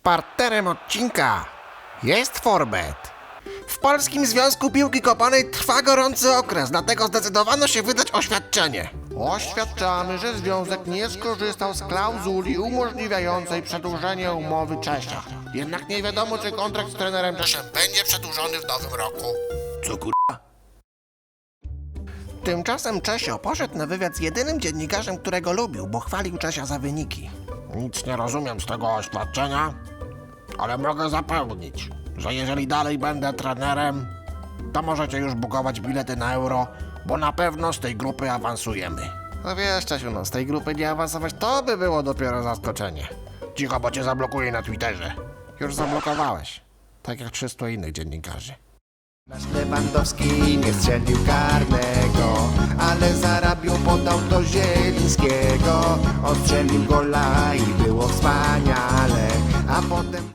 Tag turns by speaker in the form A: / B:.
A: Partnerem odcinka jest Forbet. W Polskim Związku Piłki Kopanej trwa gorący okres, dlatego zdecydowano się wydać oświadczenie. Oświadczamy, że związek nie skorzystał z klauzuli umożliwiającej przedłużenie umowy Czesia. Jednak nie wiadomo, czy kontrakt z trenerem Czeszem będzie przedłużony w nowym roku. Co kurwa? Tymczasem Czesio poszedł na wywiad z jedynym dziennikarzem, którego lubił, bo chwalił Czesia za wyniki. Nic nie rozumiem z tego oświadczenia, ale mogę zapewnić, że jeżeli dalej będę trenerem, to możecie już bukować bilety na Euro, bo na pewno z tej grupy awansujemy. No wiesz, Czesiu, no z tej grupy nie awansować to by było dopiero zaskoczenie. Cicho, bo cię zablokuję na Twitterze. Już zablokowałeś, tak jak 300 innych dziennikarzy.
B: Nasz Lewandowski nie strzelił karnego, ale za Rabią podał do Zielińskiego. Ostrzelił gola i było wspaniale, a potem...